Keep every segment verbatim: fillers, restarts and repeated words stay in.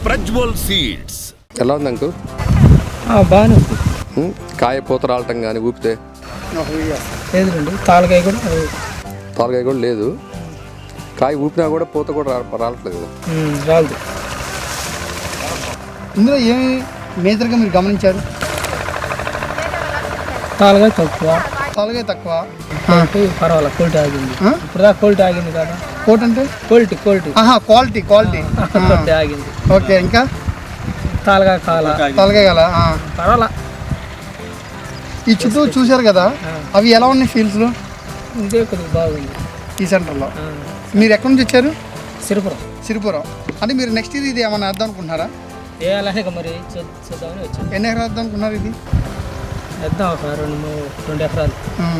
Prajwal seeds. ఎలా ఉంది uncle? బాగానే ఉంది. కాయ పూత రాలటం కానీ ఊపితే లేదండి, తాలకాయ కూడా తాలకాయ కూడా లేదు. కాయ ఊపినా కూడా పూత కూడా రా రావట్లేదు కదా. రాదు. ఇందులో ఏమి మేజర్గా మీరు గమనించారు? తాలకాయ తక్కువ, తాలకాయ తక్కువ, క్వాలిటీ పర్వాలేదు, క్వాలిటీ ఆగింది. ఇప్పుడు దాకా క్వాలిటీ ఆగింది కదా. కోట్ అంటే క్వాలిటీ క్వాలిటీ ఆహా క్వాలిటీ క్వాలిటీ క్వాలిటీ ఆగింది. ఓకే, ఇంకా తాలకాయ కాల తాలకాయ గల పర్వాలా. ఈ చుట్టూ చూశారు కదా, అవి ఎలా ఉన్నాయి ఫీల్డ్స్లో? ఇదే కొద్దిగా బాగుంది. ఈ సెంటర్లో మీరు ఎక్కడి నుంచి వచ్చారు? సిరిపురం. సిరిపురం అంటే మీరు నెక్స్ట్ ఇయర్ ఇది ఏమన్నా వేద్దాం అనుకుంటున్నారా? వేయాలనే మరి చూద్దామని వచ్చాను. ఎన్ని ఎకరాలు వేద్దాం అనుకున్నారు ఇది? వేద్దాం ఒక రెండు మూడు రెండు ఎకరాలు.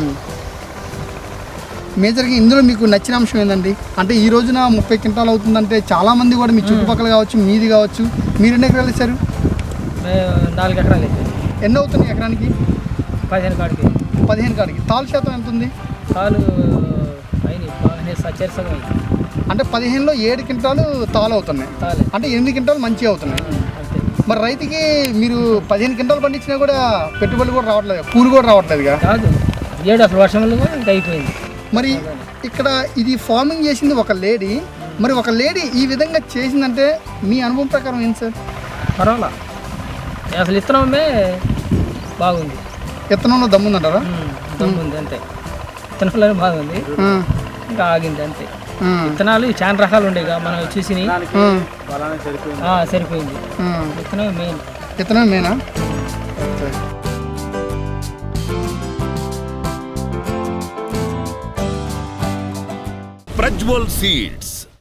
మేజర్గా ఇందులో మీకు నచ్చిన అంశం ఏంటండి? అంటే ఈ రోజున ముప్పై క్వింటాలు అవుతుందంటే చాలామంది కూడా మీ చుట్టుపక్కల కావచ్చు, మీది కావచ్చు, మీరు ఎన్ని ఎకరాలు ఇచ్చారు? నాలుగు ఎకరాలు అయితే ఎన్ని అవుతుంది ఎకరానికి? పదిహేను కాడికి. పదిహేను కాడికి తాలు శాతం ఎంత ఉంది? తాలు అయినాయి బాగానే సచ్చరిసగా అయింది. అంటే పదిహేనులో ఏడు క్వింటాలు తాలు అవుతున్నాయి, తాలే అంటే ఎనిమిది క్వింటాలు మంచిగా అవుతున్నాయి. అంతే. మరి రైతుకి మీరు పదిహేను క్వింటాలు పండించినా కూడా పెట్టుబడి కూడా రావట్లేదు, కూలి కూడా రావట్లేదుగా. కాదు, ఏడు అసలు వర్షంలో కూడా ఇంకా అయిపోయింది. మరి ఇక్కడ ఇది ఫార్మింగ్ చేసింది ఒక లేడీ, మరి ఒక లేడీ ఈ విధంగా చేసిందంటే మీ అనుభవం ప్రకారం ఏంటి సార్? పర్వాలా, అసలు ఇత్తనమే బాగుంది. విత్తనంలో దమ్ముందంటారా? దమ్ముంది అంతే, విత్తనాలు బాగుంది, ఇంకా ఆగింది అంతే. విత్తనాలు చాలా రకాలు ఉండేగా మనం చూసి సరిపోయింది. విత్తనం మెయిన్. విత్తనం మెయినా? ప్రజ్వల్ సీడ్స్.